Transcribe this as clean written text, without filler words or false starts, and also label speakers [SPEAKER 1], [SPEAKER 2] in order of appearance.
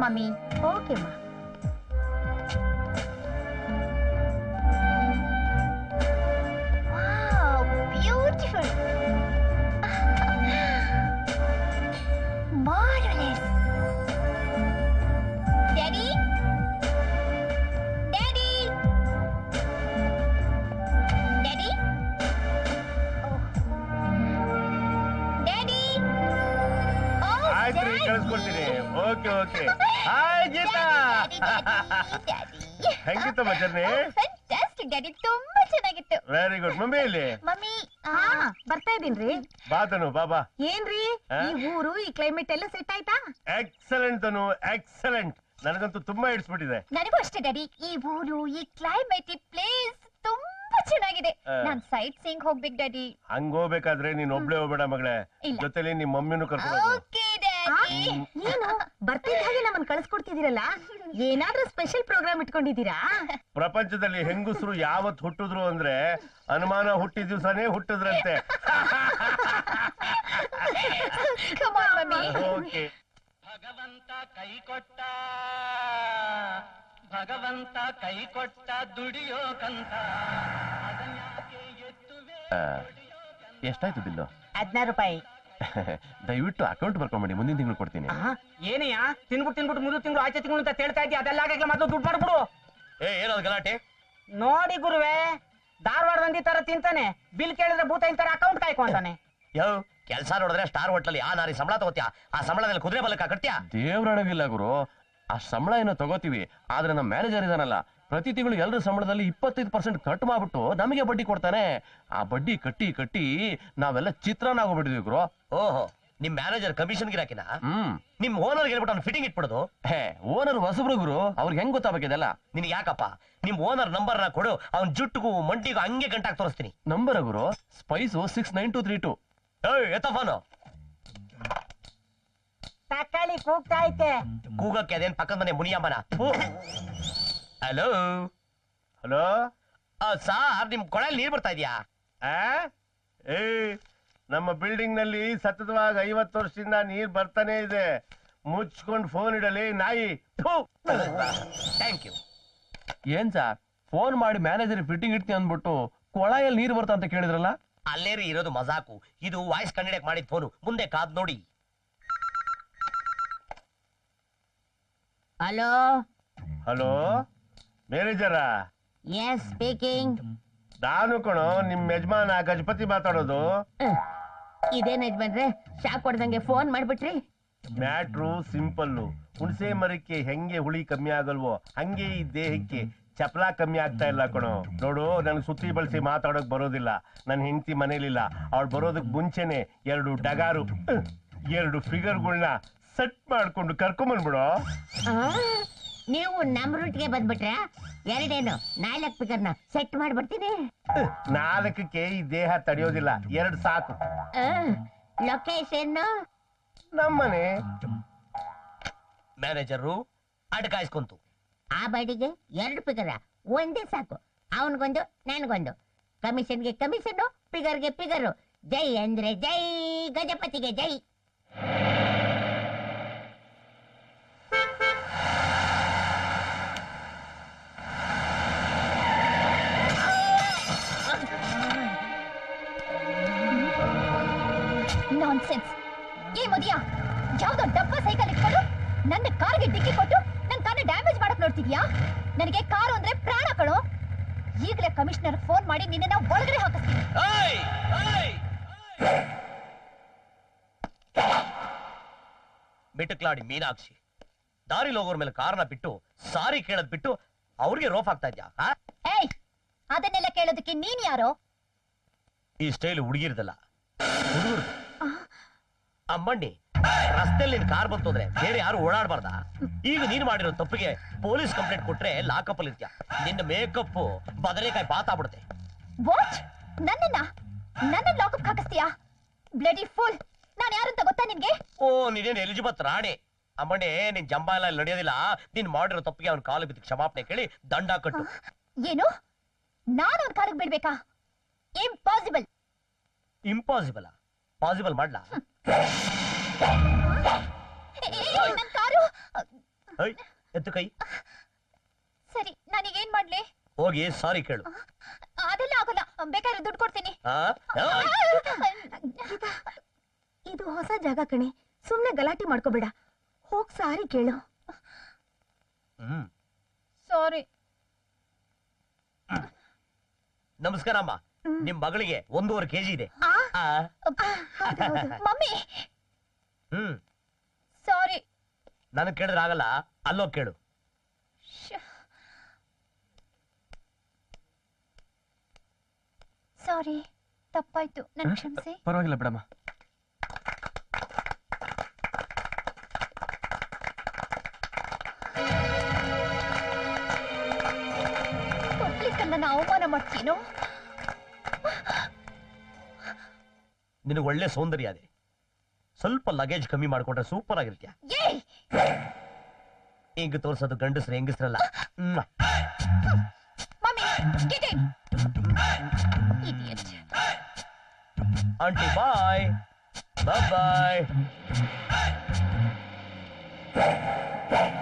[SPEAKER 1] Mummy. Okay ಮಾ. Beautiful. Marvellous. Daddy, daddy, daddy, daddy.
[SPEAKER 2] ಆಯ್ತು ರೀ, ಕಳಿಸ್ಕೊಡ್ತೀನಿ. Okay okay. ಹಾಯ್ ಗೀತಾ, ಹೆಂಗಿತ್ತಮ್ಮ ಜರ್ನಿ?
[SPEAKER 1] ಫ್ಯಾಂಟಾಸ್ಟಿಕ್ ಡ್ಯಾಡಿ, ತುಂಬಾ ಚೆನ್ನಾಗಿತ್ತು.
[SPEAKER 2] Very good. ಮಮ್ಮಿ ಇಲ್ಲಿ?
[SPEAKER 1] ಮಮ್ಮಿ
[SPEAKER 3] ಬರ್ತಾ ಇದೀನ್ರಿ.
[SPEAKER 2] ಬಾತನು ಬಾಬಾ.
[SPEAKER 3] ಏನ್ರಿ ಈ ಊರು, ಈ ಕ್ಲೈಮೇಟ್ ಎಲ್ಲ ಸೆಟ್ ಆಯ್ತಾ?
[SPEAKER 2] Excellent Tanu, excellent. ನನಗಂತೂ ತುಂಬಾ ಇಡ್ಸ್ಬಿಟ್ಟಿದೆ.
[SPEAKER 1] ನನಗೂ ಅಷ್ಟೇ ಡ್ಯಾಡಿ. ಈ ಊರು, ಈ ಕ್ಲೈಮೇಟ್, ಈ ಪ್ಲೇಸ್ ತುಂಬಾ ಚೆನ್ನಾಗಿದೆ. ನಾನ್ ಸೈಟ್ ಸೀಯಿಂಗ್ ಹೋಗ್ಬೇಕು ಡ್ಯಾಡಿ.
[SPEAKER 2] ಹಂಗ ಹೋಗ್ಬೇಕಾದ್ರೆ ನೀನ್ ಒಬ್ಳೆ ಹೋಗ್ಬೇಡ ಮಗಳೇ, ಜೊತೆಲಿ ನಿಮ್ ಮಮ್ಮಿನೂ ಕರ್ಕೊಂಡು ಹೋಗು.
[SPEAKER 1] Okay daddy.
[SPEAKER 3] ಏನು ಬರ್ತಿದ್ದ ಹಾಗೆ ನಮ್ಮನ್ನ ಕಳಿಸ್ಕೊಡ್ತಿದ್ದೀರಲ್ಲ, ಏನಾದ್ರೂ ಸ್ಪೆಷಲ್ ಪ್ರೋಗ್ರಾಮ್ ಇಟ್ಕೊಂಡಿದ್ದೀರಾ?
[SPEAKER 2] ಪ್ರಪಂಚದಲ್ಲಿ ಹೆಂಗಸರು ಯಾವತ್ ಹುಟ್ಟಿದ್ರು ಅಂದ್ರೆ ಅನುಮಾನ ಹುಟ್ಟಿದ ದಿವಸನೇ ಹುಟ್ಟಿದ್ರಂತೆ.
[SPEAKER 1] Come on, mummy.
[SPEAKER 2] ಓಕೆ.
[SPEAKER 4] ಭಗವಂತ ಕೈ ಕೊಟ್ಟ, ಭಗವಂತ ಕೈ ಕೊಟ್ಟ ದುಡಿಯೋಕಂತ.
[SPEAKER 5] ಎಷ್ಟಾಯ್ತು ಬಿಲ್ಲು?
[SPEAKER 3] 16 ರೂಪಾಯಿ.
[SPEAKER 5] ದಯವಿಟ್ಟು ಅಕೌಂಟ್ ಬರ್ಕೊಂಬಿಡಿ, ಮುಂದಿನ ತಿಂಗಳು ಕೊಡ್ತೀನಿ.
[SPEAKER 4] ಏನಯ್ಯ ತಿನ್ಬಿಟ್ಟು ಮುಂದೆ ತಿಂಗಳು ಆಚೆ ತಿಂಗಳು ಅಂತ ಹೇಳ್ತಾ ಇದ್ದೀಯ? ಅದೆಲ್ಲ ಆಗಕ್ಕೆ ಮೊದಲು ದುಡ್ಡು ಮಾಡ್ಬಿಡು.
[SPEAKER 2] ಏನದು ಗಲಾಟೆ?
[SPEAKER 4] ನೋಡಿ ಗುರುವೆ, ಧಾರವಾಡ ಮಂದಿ ತರ ತಿಂತಾನೆ, ಬಿಲ್ ಕೇಳಿದ್ರೆ ಭೂತ ಇಂತಾರೆ ಅಕೌಂಟ್ ಕಾಯ್ಕೊಂತಾನೆ.
[SPEAKER 6] ಯೋ ಕೆಲ್ಸ ನೋಡಿದ್ರೆ ಸ್ಟಾರ್ ಹೋಟ್ಲಲ್ಲಿ ಆ ನಾರಿ ಸಂಬಳ ತಗೋತ್ಯಾ, ಆ ಸಂಬಳದಲ್ಲಿ ಕುದುರೆ ಬಲಕ್ಕ ಕಟ್ಟ್ಯಾ?
[SPEAKER 5] ದೇವ್ರೊಳಗಿಲ್ಲ ಗುರು, ಆ ಸಂಬಳ ಏನೋ ತಗೋತೀವಿ, ಆದ್ರೆ ನಮ್ಮ ಮ್ಯಾನೇಜರ್ ಇದಾನಲ್ಲ, ಪ್ರತಿ ತಿಂಗಳು ಎಲ್ಲರ ಸಂಬಳದಲ್ಲಿ 25% ಕಟ್ ಮಾಡ್ಬಿಟ್ಟು ನಮಗೆ ಬಡ್ಡಿ ಕೊಡ್ತಾನೆ. ಆ ಬಡ್ಡಿ ಕಟ್ಟಿ ಕಟ್ಟಿ ನಾವೆಲ್ಲ ಚಿತ್ರಾನ್ನ ಆಗೋಗ್ಬಿಟ್ಟಿದ್ವಿ ಗುರು.
[SPEAKER 6] ಓಹೋ, ನಿಮ್ ಮ್ಯಾನೇಜರ್ ಕಮಿಷನ್ ಗಿರಾಕಿನ? ನಿಮ್ ಓನರ್ ಹೇಳ್ಬಿಟ್ಟು ಅವ್ನು ಫಿಟ್ಟಿಂಗ್ ಇಟ್ಬಿಡೋದು?
[SPEAKER 5] ಹೇ, ಓನರ್ ಹೊಸಬ್ರು ಗುರು, ಅವ್ರಿಗೆ ಹೆಂಗ್ ಗೊತ್ತಾಗಬೇಕಿದೆಲ್ಲ?
[SPEAKER 6] ನಿನ್ಗೆ ಯಾಕಪ್ಪ? ನಿಮ್ ಓನರ್ ನಂಬರ್ ನ ಕೊಡು, ಅವ್ನ್ ಜುಟ್ಟಿಗೂ ಮಂಟಿಗೂ ಹಂಗೆ ಗಂಟಾಕ್ ತೋರಿಸ್ತೀನಿ.
[SPEAKER 5] ನಂಬರ್ ಗುರು, ಸ್ಪೈಸು 69232.
[SPEAKER 6] ಎತ್ತ ಫೋನು.
[SPEAKER 4] ತಕ್ಕಾಳಿ ಕೂಗ್ತಾ ಐತೆ.
[SPEAKER 6] ಕೂಗಕ್ಕೆ ಅದೇನ್ ಪಕ್ಕದ ಮನೆ ಮುನಿಯಮ್ಮನ? ಹಲೋ
[SPEAKER 2] ಹಲೋ
[SPEAKER 6] ಸಾರ್, ನಿಮ್ ಕೊಳಲ್ ನೀರ್ ಬರ್ತಾ ಇದೆಯಾ?
[SPEAKER 2] ಏ, ನಮ್ಮ ಬಿಲ್ಡಿಂಗ್ ನಲ್ಲಿ ಸತತವಾಗಿ 50 ವರ್ಷದಿಂದ ನೀರ್ ಬರ್ತಾನೆ ಇದೆ. ಮುಚ್ಕೊಂಡು ಫೋನ್ ಇಡಲಿ ನಾಯಿ.
[SPEAKER 6] Thank you.
[SPEAKER 5] ಏನ್ ಸಾರ್, ಫೋನ್ ಮಾಡಿ ಮ್ಯಾನೇಜರ್ ಫಿಟ್ಟಿಂಗ್ ಇಡ್ತೀನಿ ಅಂದ್ಬಿಟ್ಟು ಕೊಳಾಯಲ್ಲಿ ನೀರು ಬರ್ತಾ ಅಂತ ಕೇಳಿದ್ರಲ್ಲ?
[SPEAKER 6] ಅಲ್ಲೇರಿ ಇರೋದು ಮಜಾಕು, ಇದು ವಾಯ್ಸ್ ಕಂಡಿಡಕ್ ಮಾಡಿದ ಫೋನು. ಮುಂದೆ ಕಾದ್ ನೋಡಿ.
[SPEAKER 3] ಹಲೋ
[SPEAKER 2] ಹಲೋ, ಮ್ಯಾನೇಜರಾ?
[SPEAKER 3] Yes speaking.
[SPEAKER 2] ನಾನು ಕಣೋ, ನಿಮ್ ಯಜಮಾನ ಗಜಪತಿ ಮಾತಾಡೋದು.
[SPEAKER 3] ಇದೇನ್ ಯಜಮಾನ್ರೆ, ಶಾಕ್ ಹೊಡೆದಂಗೆ ಫೋನ್ ಮಾಡ್ಬಿಟ್ರಿ?
[SPEAKER 2] Matter simple. ಹುಣಸೆ ಮರಕ್ಕೆ ಹೆಂಗೆ ಹುಳಿ ಕಮ್ಮಿ ಆಗಲ್ವೋ ಹಂಗೆ ಈ ದೇಹಕ್ಕೆ ಚಪಲ ಕಮ್ಮಿ ಆಗ್ತಾ ಇಲ್ಲ ಕಣೋ. ನೋಡು, ನನ್ಗೆ ಸುತ್ತಿ ಬಳಸಿ ಮಾತಾಡೋಕ್ ಬರೋದಿಲ್ಲ. ನನ್ನ ಹೆಂಡತಿ ಮನೇಲಿಲ್ಲ. ಅವಳು ಬರೋದಕ್ ಮುಂಚೆನೆ 2 ಡಗಾರು 2 ಫಿಗರ್ಗಳನ್ನ ಸೆಟ್ ಮಾಡ್ಕೊಂಡು ಕರ್ಕೊಂಬಂದ್ಬಿಡೋ.
[SPEAKER 3] ನೀವು ನಮ್ ರೂಟ್ಗೆ ಬಂದ್ಬಿಟ್ರೆ 4 ಫಿಗರ್ನ ಸೆಟ್ ಮಾಡ್ಬಿಡ್ತೀನಿ.
[SPEAKER 2] 4ಕ್ಕೆ ಈ ದೇಹ ತಡೆಯೋದಿಲ್ಲ, 2 ಸಾಕು.
[SPEAKER 3] ಲೊಕೇಶನ್
[SPEAKER 2] ನಮ್ಮನೆ.
[SPEAKER 6] ಮ್ಯಾನೇಜರು ಅಡ್ಕಾಯಿಸ್ಕೊಂತು.
[SPEAKER 3] ಆ ಬಾಡಿಗೆ 2 ಫಿಗರ, ಒಂದೇ ಸಾಕು. ಅವನಿಗೊಂದು ನನ್ಗೊಂದು. ಕಮಿಷನ್ಗೆ ಕಮಿಷನ್, ಫಿಗರ್ಗೆ ಫಿಗರು. ಜೈ ಅಂದ್ರೆ ಜೈ, ಗಜಪತಿಗೆ ಜೈ.
[SPEAKER 1] ನಾನ್ಸೆನ್ಸ್. ಏ ಮದಿಯಾ, ಯಾವ್ದೋ ಡಬ್ಬ ಸೈಕಲ್ ಇಟ್ಕೊಂಡು ನನ್ನ ಕಾರ್ಗೆ ಡಿಕ್ಕಿ ಕೊಟ್ಟು ನನ್ನ ಕಾರ್ನ ಡ್ಯಾಮೇಜ್ ಮಾಡಕ್ ನೋಡ್ತಿದ್ಯಾ? ನನಗೆ ಕಾರು ಅಂದ್ರೆ ಪ್ರಾಣ ಕಣೋ. ಈಗಲೇ ಕಮಿಷನರ್ ಫೋನ್ ಮಾಡಿ ನಿನ್ನ ಒಳಗಡೆ ಹಾಕಿಸ್ತೀನಿ.
[SPEAKER 6] ಬಿಟ್ಟಕ್ಲಾಡಿ ಮೀನಾಕ್ಷಿ, ದಾರಿ ಹೋಗೋರ್ ಮೇಲೆ ಕಾರ್ನ ಬಿಟ್ಟು ಸಾರಿ ಕೇಳದ್ ಬಿಟ್ಟು ಅವ್ರಿಗೆ ರೋಫ್ ಆಗ್ತಾ ಇದ್ಯಾ?
[SPEAKER 1] ಏಯ್, ಅದನ್ನೆಲ್ಲ ಕೇಳೋದಕ್ಕೆ ನೀನ್ ಯಾರೋ?
[SPEAKER 6] ಈ ಸ್ಟೈಲ್ ಹುಡುಗಿರ್ದಲ್ಲ, ಹುಡುಗರು. ಅಮ್ಮಣ್ಣಿ, ರಸ್ತೆಯಲ್ಲಿ ನಿನ್ ಕಾರ್ ಬಂತು ಅಂದ್ರೆ ಬೇರೆ ಯಾರು ಓಡಾಡಬಾರ್ದ? ಈಗ ನೀನ್ ಮಾಡಿರೋ ತಪ್ಪಿಗೆ ಪೊಲೀಸ್ ಕಂಪ್ಲೇಂಟ್ ಕೊಟ್ರೆ ಲಾಕಪ್ ಅಲ್ಲಿ ಇರ್ತೀಯ. ನಿನ್ನ ಮೇಕಪ್ ಬದನೆಕಾಯಿ ಬಾತಾಗ್ಬಿಡುತ್ತೆ.
[SPEAKER 1] ವಾಟ್? ನನ್ನ ಲಾಕಪ್ ಹಾಕಿಸ್ತೀಯಾ? Bloody fool. ನಾನು ಯಾರಂತ ಗೊತ್ತಾ ನಿನ್ಗೆ?
[SPEAKER 6] ಓ, ನೀನೇನು ಎಲಿಜಬೆತ್ ರಾಣಿ. ಅಮ್ಮಣ್ಣೆ, ನಿನ್ ಜಂಬ ಎಲ್ಲ ನಡೆಯೋದಿಲ್ಲ. ನೀನ್ ಮಾಡಿರೋ ತಪ್ಪಿಗೆ ಅವ್ನ ಕಾಲು ಬಿದ್ದು ಕ್ಷಮಾಪಣೆ ಕೇಳಿ ದಂಡ ಕಟ್ಟು.
[SPEAKER 1] ಏನು? ನಾನು ಅವ್ನ ಕಾಲಿಗೆ ಬೀಳ್ಬೇಕಾ? ಇಂಪಾಸಿಬಲ್.
[SPEAKER 6] ಇಂಪಾಸಿಬಲ್? ಪಾಸಿಬಲ್ ಮಾಡ್ಲಾ?
[SPEAKER 1] ನನ್ ಕಾರು.
[SPEAKER 6] ಎತ್ತು ಕೈ.
[SPEAKER 1] ಸರಿ ನಾನೀಗೇನ್ ಮಾಡ್ಲಿ?
[SPEAKER 6] ಹೋಗಿ ಸಾರಿ ಕೇಳು.
[SPEAKER 1] ಅದೆಲ್ಲ ಆಗಲ್ಲ, ಬೇಕಾದ್ರೆ ದುಡ್ಡು ಕೊಡ್ತೀನಿ.
[SPEAKER 6] ಆ?
[SPEAKER 1] ಇದು ಹೊಸ ಜಾಗ ಕಣೆ, ಸುಮ್ನೆ ಗಲಾಟೆ ಮಾಡ್ಕೋಬೇಡ. ಹೋಗ್ ಸಾರಿ ಕೇಳು.
[SPEAKER 6] ಹ್ಮ್.
[SPEAKER 1] ಸಾರಿ.
[SPEAKER 6] ನಮಸ್ಕಾರ ಅಮ್ಮ. ನಿಮ್ ಮಗಳಿಗೆ 1.5 kg ಇದೆ.
[SPEAKER 1] ಮಮ್ಮಿ
[SPEAKER 6] ಹ್ಮ್.
[SPEAKER 1] ಸಾರಿ.
[SPEAKER 6] ನನಗ್ ಕೇಳಿದ್ರೆ ಆಗಲ್ಲ, ಅಲ್ಲೋಗ್ ಕೇಳು.
[SPEAKER 1] ಸಾರಿ, ತಪ್ಪಾಯ್ತು, ನನ್ ಕ್ಷಮಿಸಿ.
[SPEAKER 5] ಪರವಾಗಿಲ್ಲ ಬಿಡಮ್ಮ.
[SPEAKER 1] ನನ್ನ ಅವಮಾನ ಮಾಡ್ತೀನೋ?
[SPEAKER 6] ನಿನಗೆ ಒಳ್ಳೆ ಸೌಂದರ್ಯ ಇದೆ, ಸ್ವಲ್ಪ ಲಗೇಜ್ ಕಮ್ಮಿ ಮಾಡ್ಕೊಂಡ್ರೆ ಸೂಪರ್ ಆಗಿರ್ತೀಯ. ಹಿಂಗ್ ತೋರ್ಸೋದು ಗಂಡಸ್ರ ಹೆಂಗಸ್ರಲ್ಲ. ಆಂಟಿ ಬಾಯ್ ಬಾಯ್.